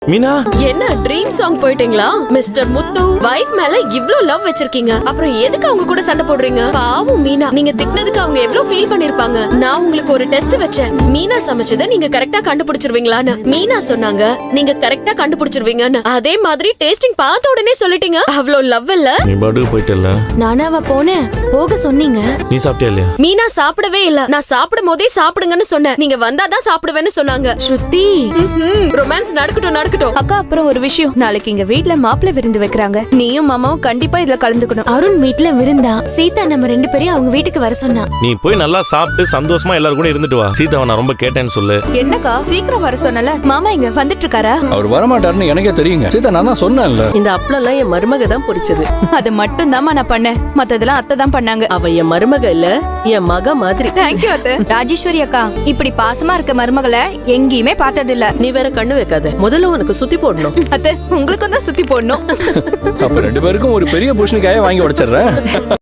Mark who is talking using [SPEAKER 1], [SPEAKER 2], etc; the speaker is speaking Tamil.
[SPEAKER 1] மீனா,
[SPEAKER 2] என்ன ட்ரீம் சாங் போயிட்டீங்களா? மிஸ்டர் முத்து வைஃப் மேல இவ்ளோ லவ் வச்சிருக்கீங்க, அப்புறம் எதுக்கு அவங்க கூட சண்டை போடுறீங்க? பாவம் மீனா, நீங்க திட்டினதுக்கு அவங்க எவ்ளோ ஃபீல் பண்ணிருப்பாங்க. நான் உங்களுக்கு ஒரு டெஸ்ட் வச்சேன், மீனா சமைச்சதை நீங்க கரெக்டா கண்டுபிடிச்சிருவீங்களான்னு. மீனா சொன்னாங்க நீங்க கரெக்டா கண்டுபிடிச்சிருவீங்கன்னு. அதே மாதிரி டேஸ்டிங் பார்த்த உடனே சொல்லிட்டீங்க. அவ்ளோ லவ் இல்ல?
[SPEAKER 1] நீ பாட்டுக்கு போயிட்டல.
[SPEAKER 3] நானாவா போனேன்? போக சொன்னீங்க.
[SPEAKER 1] நீ சாப்பிட்டியா இல்லையா?
[SPEAKER 2] மீனா சாப்பிடவே இல்ல. நான் சாப்பிடும் போதே சாப்பிடுங்கன்னு சொன்னேன். நீங்க வந்தாதான் சாப்பிடுவேன்னு சொன்னாங்க.
[SPEAKER 3] ஸ்ருதி,
[SPEAKER 2] ரொமான்ஸ் நடக்கட்டும்.
[SPEAKER 4] அக்கா, அப்புறம் ஒரு விஷயம், நாளைக்கு எங்க வீட்ல மாப்பிள்ளை விருந்து வைக்கிறாங்க. நீயும் மாமாவும் கண்டிப்பா இதுல கலந்துக்கணும்.
[SPEAKER 3] அருண் வீட்ல விருந்தா? சீதா நம்ம 2 பேரையும் அவங்க வீட்டுக்கு வர சொன்னா.
[SPEAKER 1] நீ போய் நல்லா சாப்பிட்டு சந்தோஷமா எல்லாரும் கூட இருந்துட்டு வா. சீதாவை நான் ரொம்ப கேட்டேன்னு சொல்லு.
[SPEAKER 4] என்னக்கா, சீக்கிரம் வர சொன்னல. மாமா இங்க வந்துட்டு இருக்காரா?
[SPEAKER 5] அவர் வரமாட்டாருன்னு எனக்கே தெரியுங்க. சீதா, நான் தான் சொன்னேன்ல.
[SPEAKER 6] இந்த அப்பளம்லாம் என் மருமக தான் பொரிச்சது.
[SPEAKER 4] அது மட்டும் தாமா நான் பண்ணேன், மத்ததெல்லாம் அத்தை தான் பண்ணாங்க.
[SPEAKER 6] அவ என் மருமக இல்ல, என் மக மாதிரி.
[SPEAKER 4] தேங்க்யூ அத்தை.
[SPEAKER 3] ராஜேஸ்வரி அக்கா, இப்படி பாசமா இருக்க மருமகளை எங்கேயுமே பார்த்தது இல்ல.
[SPEAKER 6] நீ வேற கண்ணு வைக்காத, முதல்ல உனக்கு சுத்தி போடணும்.
[SPEAKER 4] அத்தை, உங்களுக்கும் தான் சுத்தி போடணும்.
[SPEAKER 5] அப்ப 2 பேருக்கும் ஒரு பெரிய பூஷணிக்காயை வாங்கி உடைச்சிடுறேன்.